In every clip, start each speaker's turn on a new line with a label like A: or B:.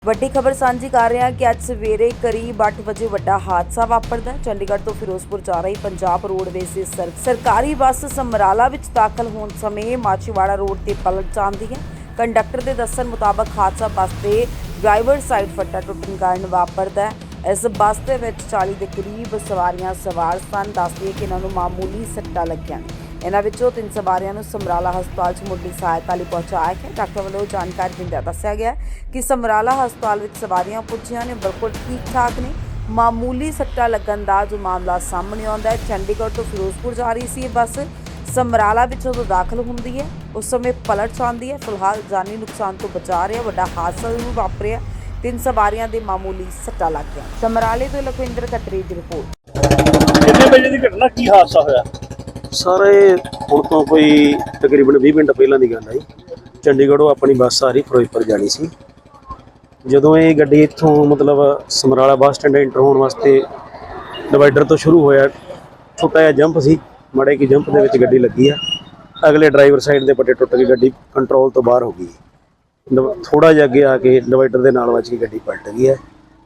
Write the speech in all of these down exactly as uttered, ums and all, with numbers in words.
A: ਵੱਡੀ ਖਬਰ ਸਾਂਝੀ ਕਰ ਰਹੇ ਹਾਂ ਕਿ ਅੱਜ ਸਵੇਰੇ ਕਰੀਬ ਅੱਠ ਵਜੇ ਵੱਡਾ ਹਾਦਸਾ ਵਾਪਰਦਾ ਹੈ। ਚੰਡੀਗੜ੍ਹ ਤੋਂ ਫਿਰੋਜ਼ਪੁਰ ਜਾ ਰਹੀ ਪੰਜਾਬ ਰੋਡਵੇਜ਼ ਦੀ ਸਰ ਸਰਕਾਰੀ ਬੱਸ ਸਮਰਾਲਾ ਵਿੱਚ ਦਾਖਲ ਹੋਣ ਸਮੇਂ ਮਾਚੀਵਾੜਾ ਰੋਡ ਤੇ ਪਲਟ ਜਾਂਦੀ ਹੈ। ਕੰਡਕਟਰ ਦੇ ਦੱਸਣ ਮੁਤਾਬਕ ਹਾਦਸਾ ਬੱਸ ਦੇ ਡਰਾਈਵਰ ਸਾਈਡ ਫੱਟਾ ਟੁੱਟਣ ਕਾਰਨ ਵਾਪਰਦਾ ਹੈ। ਇਸ ਬੱਸ ਦੇ ਵਿੱਚ ਚਾਲੀ ਦੇ ਕਰੀਬ ਸਵਾਰੀਆਂ ਸਵਾਰ ਸਨ। ਦੱਸਦੀ ਕਿ ਇਹਨਾਂ ਨੂੰ ਮਾਮੂਲੀ ਸੱਟਾਂ ਲੱਗੀਆਂ ਨੇ। ਇਹਨਾਂ ਵਿੱਚੋਂ ਤਿੰਨ ਸਵਾਰੀਆਂ ਨੂੰ ਸਮਰਾਲਾ ਹਸਪਤਾਲ 'ਚ ਮੁੱਢਲੀ ਸਹਾਇਤਾ ਲਈ ਪਹੁੰਚਾਇਆ ਗਿਆ। ਡਾਕਟਰ ਵੱਲੋਂ ਜਾਣਕਾਰੀ ਦਿੰਦਿਆਂ ਦੱਸਿਆ ਗਿਆ ਕਿ ਸਮਰਾਲਾ ਹਸਪਤਾਲ ਵਿੱਚ ਸਵਾਰੀਆਂ ਪੁੱਜੀਆਂ ਨੇ, ਬਿਲਕੁਲ ਠੀਕ ਠਾਕ ਨੇ। ਮਾਮੂਲੀ ਸੱਟਾਂ ਲੱਗਣ ਦਾ ਜੋ ਮਾਮਲਾ ਸਾਹਮਣੇ ਆਉਂਦਾ ਹੈ। ਚੰਡੀਗੜ੍ਹ ਤੋਂ ਫਿਰੋਜ਼ਪੁਰ ਜਾ ਰਹੀ ਸੀ ਇਹ ਬੱਸ ਸਮਰਾਲਾ ਵਿੱਚ ਜਦੋਂ ਦਾਖਲ ਹੁੰਦੀ ਹੈ ਉਸ ਸਮੇਂ ਪਲਟ ਜਾਂਦੀ ਹੈ। ਫਿਲਹਾਲ ਜਾਨੀ ਨੁਕਸਾਨ ਤੋਂ ਬਚਾ ਰਿਹਾ ਵੱਡਾ ਹਾਦਸਾ ਜ਼ਰੂਰ ਵਾਪਰਿਆ। ਤਿੰਨ ਸਵਾਰੀਆਂ ਦੇ ਮਾਮੂਲੀ ਸੱਟਾਂ ਲੱਗ ਗਈਆਂ। ਸਮਰਾਲੇ ਤੋਂ ਲਖਵਿੰਦਰ ਖੱਤਰੀ ਦੀ ਰਿਪੋਰਟ।
B: ਕਿੰਨੇ ਵਜੇ ਦੀ ਘਟਨਾ, ਕੀ ਹਾਦਸਾ ਹੋਇਆ?
C: ਸਰ ਇਹ ਹੁਣ ਤੋਂ ਕੋਈ ਤਕਰੀਬਨ ਵੀਹ ਮਿੰਟ ਪਹਿਲਾਂ ਦੀ ਗੱਲ ਹੈ। ਚੰਡੀਗੜ੍ਹੋਂ ਆਪਣੀ ਬੱਸ ਆ ਰਹੀ ਫਿਰੋਜ਼ਪੁਰ ਜਾਣੀ ਸੀ। ਜਦੋਂ ਇਹ ਗੱਡੀ ਇੱਥੋਂ ਮਤਲਬ ਸਮਰਾਲਾ ਬੱਸ ਸਟੈਂਡ ਐਂਟਰ ਹੋਣ ਵਾਸਤੇ ਡਿਵਾਈਡਰ ਤੋਂ ਸ਼ੁਰੂ ਹੋਇਆ, ਛੋਟਾ ਜਿਹਾ ਜੰਪ ਸੀ, ਮਾੜੇ ਕੀ ਜੰਪ ਦੇ ਵਿੱਚ ਗੱਡੀ ਲੱਗੀ ਆ। ਅਗਲੇ ਡਰਾਈਵਰ ਸਾਈਡ ਦੇ ਪੱਟੇ ਟੁੱਟ ਕੇ ਗੱਡੀ ਕੰਟਰੋਲ ਤੋਂ ਬਾਹਰ ਹੋ ਗਈ। ਥੋੜਾ ਜਿਹਾ ਅੱਗੇ ਆ ਕੇ ਡਿਵਾਈਡਰ ਦੇ ਨਾਲ ਵੱਜ ਕੇ ਗੱਡੀ ਪਲਟ ਗਈ ਹੈ।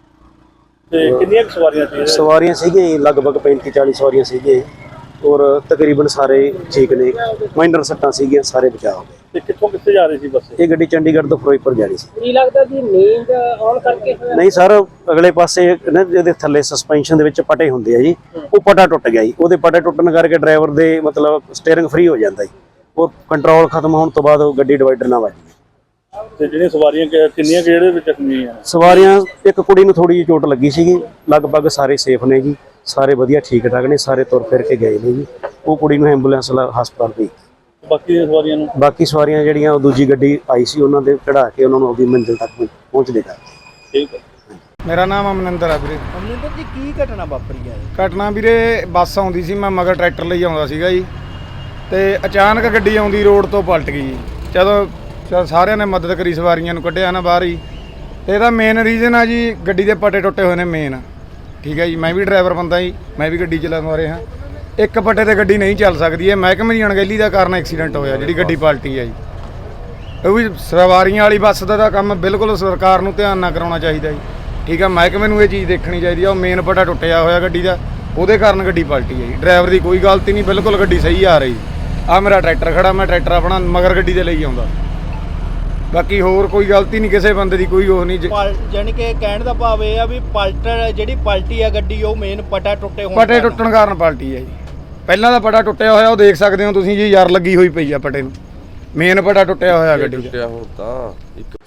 B: ਤੇ ਕਿੰਨੀਆਂ ਸਵਾਰੀਆਂ ਸੀ?
C: ਸਵਾਰੀਆਂ ਸੀਗੀਆਂ ਲਗਭਗ ਪੈਂਤੀ ਚਾਲੀ ਸਵਾਰੀਆਂ ਸੀਗੀਆਂ ਔਰ ਤਕਰੀਬਨ ਸਾਰੇ ਠੀਕ ਨੇ। ਮਾਈਨਰ ਸੱਟਾਂ ਸੀਗੀਆਂ, ਸਾਰੇ ਬਚਾਅ ਹੋ ਗਏ।
B: ਤੇ ਕਿੱਥੋਂ ਕਿੱਥੇ ਜਾ ਰਹੀ ਸੀ ਬੱਸ?
C: ਇਹ ਗੱਡੀ ਚੰਡੀਗੜ੍ਹ ਤੋਂ ਫਿਰੋਜ਼ਪੁਰ ਜਾ ਰਹੀ ਸੀ।
D: ਕੀ ਲੱਗਦਾ ਜੀ ਨੀਂਦ ਆਉਣ ਕਰਕੇ ਹੋਇਆ?
C: ਨਹੀਂ ਸਰ, ਅਗਲੇ ਪਾਸੇ ਨਾ ਜਿਹਦੇ ਥੱਲੇ ਸਸਪੈਂਸ਼ਨ ਦੇ ਵਿੱਚ ਪਟੇ ਹੁੰਦੇ ਆ ਜੀ, ਉਹ ਪਟਾ ਟੁੱਟ ਗਿਆ ਜੀ। ਉਹਦੇ ਪਟੇ ਟੁੱਟਣ ਕਰਕੇ ਡਰਾਈਵਰ ਦੇ ਮਤਲਬ ਸਟੀਅਰਿੰਗ ਫ੍ਰੀ ਹੋ ਜਾਂਦਾ ਜੀ। ਉਹ ਕੰਟਰੋਲ ਖਤਮ ਹੋਣ ਤੋਂ ਬਾਅਦ ਉਹ ਗੱਡੀ ਡਿਵਾਈਡਰ ਨਾਲ ਵੱਜ ਗਈ।
B: ਤੇ ਜਿਹੜੀਆਂ ਸਵਾਰੀਆਂ ਕਿੰਨੀਆਂ ਜਿਹੜੇ ਵਿੱਚ ਜ਼ਖਮੀ ਆ?
C: ਸਵਾਰੀਆਂ ਇੱਕ ਕੁੜੀ ਨੂੰ ਥੋੜੀ ਜਿਹੀ ਚੋਟ ਲੱਗੀ ਸੀਗੀ। ਲਗਭਗ ਸਾਰੇ ਸੇਫ ਨੇ ਜੀ, ਸਾਰੇ ਵਧੀਆ ਠੀਕ ਠਾਕ ਨੇ, ਸਾਰੇ ਤੁਰ ਫਿਰ ਕੇ ਗਏ ਨੇ ਜੀ। ਉਹ ਕੁੜੀ ਨੂੰ ਐਂਬੂਲੈਂਸ ਹਸਪਤਾਲ ਭੇਜੀ।
B: ਬਾਕੀ ਦੀਆਂ ਸਵਾਰੀਆਂ ਨੂੰ
C: ਬਾਕੀ ਸਵਾਰੀਆਂ ਜਿਹੜੀਆਂ ਉਹ ਦੂਜੀ ਗੱਡੀ ਆਈ ਸੀ ਉਹਨਾਂ ਦੇ ਚੜਾ ਕੇ ਉਹਨਾਂ ਨੂੰ ਆਪਣੀ ਮੰਜ਼ਿਲ ਤੱਕ ਪਹੁੰਚ ਦੇਗਾ।
B: ਠੀਕ ਹੈ।
E: ਮੇਰਾ ਨਾਮ ਅਮਨਿੰਦਰ ਆ ਵੀਰੇ।
D: ਅਮਰਿੰਦਰ ਜੀ ਕੀ ਘਟਨਾ ਵਾਪਰੀ ਹੈ?
E: ਘਟਨਾ ਵੀਰੇ ਬੱਸ ਆਉਂਦੀ ਸੀ, ਮੈਂ ਮਗਰ ਟਰੈਕਟਰ ਲਈ ਆਉਂਦਾ ਸੀਗਾ ਜੀ, ਤੇ ਅਚਾਨਕ ਗੱਡੀ ਆਉਂਦੀ ਰੋਡ ਤੋਂ ਪਲਟ ਗਈ ਜੀ। ਜਦੋਂ ਚਲ ਸਾਰਿਆਂ ਨੇ ਮਦਦ ਕਰੀ, ਸਵਾਰੀਆਂ ਨੂੰ ਕੱਢਿਆ ਨਾ ਬਾਹਰ ਹੀ। ਤੇ ਇਹਦਾ ਮੇਨ ਰੀਜ਼ਨ ਆ ਜੀ ਗੱਡੀ ਦੇ ਪੱਟੇ ਟੁੱਟੇ ਹੋਏ ਨੇ ਮੇਨ। ਠੀਕ ਹੈ ਜੀ, ਮੈਂ ਵੀ ਡਰਾਈਵਰ ਬੰਦਾ ਜੀ, ਮੈਂ ਵੀ ਗੱਡੀ ਚਲਾਉਂਦਾ ਰਿਹਾ। ਇੱਕ ਪੱਟੇ ਤੇ ਗੱਡੀ ਨਹੀਂ ਚੱਲ ਸਕਦੀ ਹੈ। ਮਹਿਕਮੇ ਦੀ ਅਣਗਹਿਲੀ ਦਾ ਕਾਰਨ ਐਕਸੀਡੈਂਟ ਹੋਇਆ, ਜਿਹੜੀ ਗੱਡੀ ਪਲਟੀ ਹੈ ਜੀ। ਉਹ ਵੀ ਸਵਾਰੀਆਂ ਵਾਲੀ ਬੱਸ ਦਾ ਤਾਂ ਕੰਮ ਬਿਲਕੁਲ ਸਰਕਾਰ ਨੂੰ ਧਿਆਨ ਨਾਲ ਕਰਾਉਣਾ ਚਾਹੀਦਾ ਜੀ। ਠੀਕ ਹੈ, ਮਹਿਕਮੇ ਨੂੰ ਇਹ ਚੀਜ਼ ਦੇਖਣੀ ਚਾਹੀਦੀ ਆ। ਉਹ ਮੇਨ ਪੱਟਾ ਟੁੱਟਿਆ ਹੋਇਆ ਗੱਡੀ ਦਾ, ਉਹਦੇ ਕਾਰਨ ਗੱਡੀ ਪਲਟੀ ਹੈ ਜੀ। ਡਰਾਈਵਰ ਦੀ ਕੋਈ ਗਲਤੀ ਨਹੀਂ, ਬਿਲਕੁਲ ਗੱਡੀ ਸਹੀ ਆ ਰਹੀ। ਆ ਮੇਰਾ ਟਰੈਕਟਰ ਖੜਾ, ਮੈਂ ਟਰੈਕਟਰ ਆਪਣਾ ਮਗਰ ਗੱਡੀ ਦੇ ਲਈ ਆਉਂਦਾ। ਬਾਕੀ ਹੋਰ ਕੋਈ ਗਲਤੀ ਨਹੀਂ ਕਿਸੇ ਬੰਦੇ ਦੀ, ਕੋਈ ਉਹ ਨਹੀਂ।
D: ਜਾਨੀ ਕਿ ਕਹਿਣ ਦਾ ਭਾਵ ਇਹ ਆ ਵੀ ਪਲਟਰ ਜਿਹੜੀ ਪਲਟੀ ਆ ਗੱਡੀ, ਉਹ ਮੇਨ ਪਟਾ ਟੁੱਟੇ ਹੋਣ
E: ਪਟੇ ਟੁੱਟਣ ਕਾਰਨ ਪਲਟੀ ਹੈ ਜੀ। ਪਹਿਲਾਂ ਦਾ ਪਟਾ ਟੁੱਟਿਆ ਹੋਇਆ, ਉਹ ਦੇਖ ਸਕਦੇ ਹੋ ਤੁਸੀਂ ਜੀ, ਯਾਰ ਲੱਗੀ ਹੋਈ ਪਈ ਆ ਪਟੇ ਨੂੰ। ਮੇਨ ਪਟਾ ਟੁੱਟਿਆ ਹੋਇਆ ਗੱਡੀ ਦਾ।
F: ਟੁੱਟਿਆ ਹੁਣ ਤਾਂ ਇੱਕ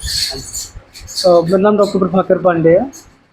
G: मेरा नाम डॉक्टर प्रभाकर पांडे है।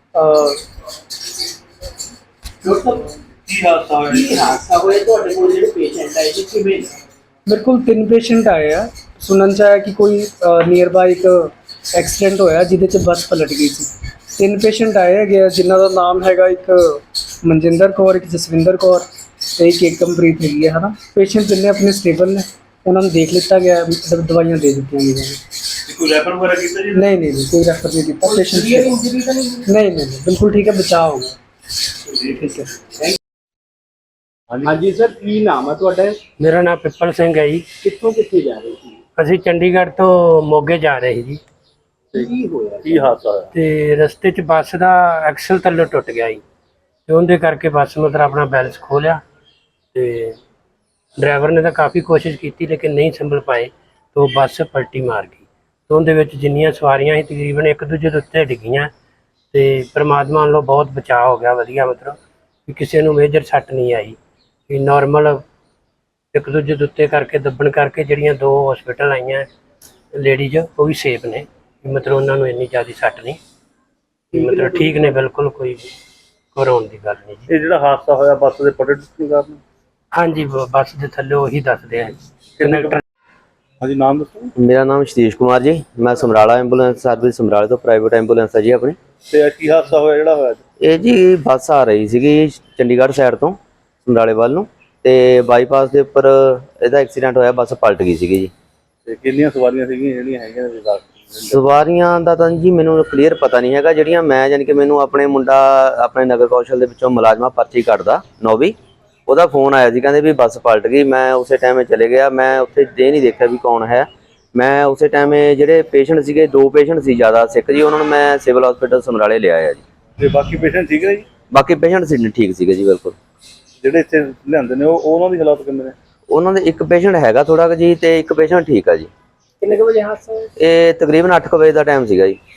G: मेरे को तीन पेशेंट आए हैं। सुनन चाहे कि कोई नियर बाय एक एक्सीडेंट होया जिहदे च बस पलट गई थी। तीन पेशेंट आए है जिन्हों का नाम हैगा, एक मनजिंदर कौर, एक जसविंदर कौर, एक एकमप्रीत हैगी है ना। पेशेंट जिन्हें अपने स्टेबल ने, उन्होंने देख लिता गया, दवाइयां दे दी गई।
B: कोई रेफर वगैरह किया जी?
G: नहीं नहीं नहीं, कोई रेफर नहीं किया। पेशेंट नहीं नहीं नहीं, बिल्कुल ठीक है, बचाव हो गया। ठीक है।
D: हाँ जी सर, की नाम है तुहाडा?
H: मेरा नाम पिपल सिंह है जी।
D: कित्थों कित्थे जा रहे सी?
H: ਅਸੀਂ ਚੰਡੀਗੜ੍ਹ ਤੋਂ ਮੋਗੇ ਜਾ ਰਹੇ ਸੀ ਜੀ।
D: ਕੀ ਹੋਇਆ?
B: ਕੀ ਹਾਦਸਾ ਹੋਇਆ?
H: ਤੇ ਰਸਤੇ 'ਚ ਬੱਸ ਦਾ ਐਕਸਲ ਥੱਲੇ ਟੁੱਟ ਗਿਆ ਜੀ, ਤੇ ਉਹਦੇ ਕਰਕੇ ਬੱਸ ਮਤਲਬ ਆਪਣਾ ਬੈਲੈਂਸ ਖੋ ਲਿਆ। ਤੇ ਡਰਾਈਵਰ ਨੇ ਤਾਂ ਕਾਫੀ ਕੋਸ਼ਿਸ਼ ਕੀਤੀ ਲੇਕਿਨ ਨਹੀਂ ਸੰਭਲ ਪਾਏ, ਤੇ ਉਹ ਬੱਸ ਪਲਟੀ ਮਾਰ ਗਈ। ਤੇ ਉਹਦੇ ਵਿੱਚ ਜਿੰਨੀਆਂ ਸਵਾਰੀਆਂ ਸੀ ਤਕਰੀਬਨ ਇੱਕ ਦੂਜੇ ਦੇ ਉੱਤੇ ਡਿੱਗੀਆਂ, ਤੇ ਪਰਮਾਤਮਾ ਵੱਲੋਂ ਬਹੁਤ ਬਚਾਅ ਹੋ ਗਿਆ ਵਧੀਆ। ਮਤਲਬ ਕਿ ਕਿਸੇ ਨੂੰ ਮੇਜਰ ਸੱਟ ਨਹੀਂ ਆਈ, ਵੀ ਨੋਰਮਲ ਇੱਕ ਦੂਜੇ ਦੇ ਉੱਤੇ ਕਰਕੇ ਦੱਬਣ ਕਰਕੇ ਜਿਹੜੀਆਂ ਦੋ ਹਸਪੀਟਲ ਆਈਆਂ ਲੇਡੀਜ਼, ਉਹ ਵੀ ਸੇਫ ਨੇ। ਮਤਲਬ ਉਹਨਾਂ ਨੂੰ ਇੰਨੀ ਜ਼ਿਆਦਾ ਸੱਟ ਨਹੀਂ, ਮਤਲਬ ਠੀਕ ਨੇ ਬਿਲਕੁਲ, ਕੋਈ ਘਬਰਾਉਣ ਦੀ ਗੱਲ ਨਹੀਂ ਜੀ।
B: ਇਹ ਜਿਹੜਾ ਹਾਦਸਾ ਹੋਇਆ ਬੱਸ ਦੇ ਪੱਟੇ ਟੁੱਟਣ ਕਾਰਨ?
H: ਹਾਂਜੀ, ਬੱਸ ਦੇ ਥੱਲੇ ਉਹੀ ਦੱਸਦੇ ਆ ਕੰਡਕਟਰ।
B: ਹਾਂਜੀ, ਨਾਮ ਦੱਸੋ।
I: मेरा नाम सतीश कुमार जी, मैं समराला एंबूलेंस सर्विस समराले तो प्राइवेट एंबूलेंस है जी अपनी।
B: ਤੇ ਕੀ ਹਾਦਸਾ ਹੋਇਆ ਜਿਹੜਾ ਹੋਇਆ?
I: ਇਹ ਜੀ ਬੱਸ ਆ ਰਹੀ ਸੀਗੀ ਚੰਡੀਗੜ੍ਹ ਸਾਈਡ ਤੋਂ ਸਮਰਾਲੇ ਵੱਲ ਨੂੰ, ਤੇ ਬਾਈਪਾਸ ਦੇ ਉੱਪਰ ਇਹਦਾ ਐਕਸੀਡੈਂਟ ਹੋਇਆ, ਬੱਸ ਪਲਟ ਗਈ ਸੀਗੀ ਜੀ।
B: ਤੇ ਕਿੰਨੀਆਂ ਸਵਾਰੀਆਂ ਸੀਗੀਆਂ ਜਿਹੜੀਆਂ ਹੈਗੀਆਂ ਨੇ?
I: ਸਵਾਰੀਆਂ ਦਾ ਤਾਂ ਜੀ ਮੈਨੂੰ ਕਲੀਅਰ ਪਤਾ ਨਹੀਂ ਹੈਗਾ। ਜਿਹੜੀਆਂ ਮੈਂ ਯਾਨੀ ਕਿ ਮੈਨੂੰ ਆਪਣੇ ਮੁੰਡਾ ਆਪਣੇ ਨਗਰ ਕੌਸ਼ਲ ਦੇ ਵਿੱਚੋਂ ਮੁਲਾਜ਼ਮਾ ਪਰਚੀ ਕੱਢਦਾ ਨੌਵੀਂ, ਉਹਦਾ ਫੋਨ ਆਇਆ ਸੀ, ਕਹਿੰਦੇ ਵੀ ਬੱਸ ਪਲਟ ਗਈ। ਮੈਂ ਉਸੇ ਟਾਈਮ ਚਲੇ ਗਿਆ, ਮੈਂ ਉੱਥੇ ਇਹ ਨਹੀਂ ਦੇਖਿਆ ਵੀ ਕੌਣ ਹੈ। ਮੈਂ ਉਸੇ ਟਾਈਮ ਜਿਹੜੇ ਪੇਸ਼ੈਂਟ ਸੀਗੇ, ਦੋ ਪੇਸ਼ੈਂਟ ਸੀ ਜ਼ਿਆਦਾ ਸਿੱਖ ਜੀ, ਉਹਨਾਂ ਨੂੰ ਮੈਂ ਸਿਵਲ ਹਸਪੀਟਲ ਸਮਰਾਲੇ ਲਿਆਇਆ ਜੀ।
B: ਤੇ ਬਾਕੀ ਪੇਸ਼ੈਂਟ ਠੀਕ ਨੇ ਜੀ?
I: ਬਾਕੀ ਪੇਸ਼ੈਂਟ ਸੀ ਠੀਕ ਸੀਗੇ ਜੀ, ਬਿਲਕੁਲ।
B: ਜਿਹੜੇ ਇੱਥੇ ਲਿਆਂਦੇ ਨੇ ਉਹ ਉਹਨਾਂ ਦੀ ਹਾਲਾਤ ਕਿੰਨੇ ਨੇ?
I: ਉਹਨਾਂ ਦੇ ਇੱਕ ਪੇਸ਼ੈਂਟ ਹੈਗਾ ਥੋੜਾ ਕੁ ਜੀ, ਤੇ ਇੱਕ ਪੇਸ਼ੈਂਟ ਠੀਕ ਆ ਜੀ।
G: ਕਿੰਨੇ ਕੁ ਵਜੇ ਹਾਦਸਾ ਹੋਇਆ?
I: ਇਹ ਤਕਰੀਬਨ ਅੱਠ ਕੁ ਵਜੇ ਦਾ ਟਾਈਮ ਸੀਗਾ ਜੀ।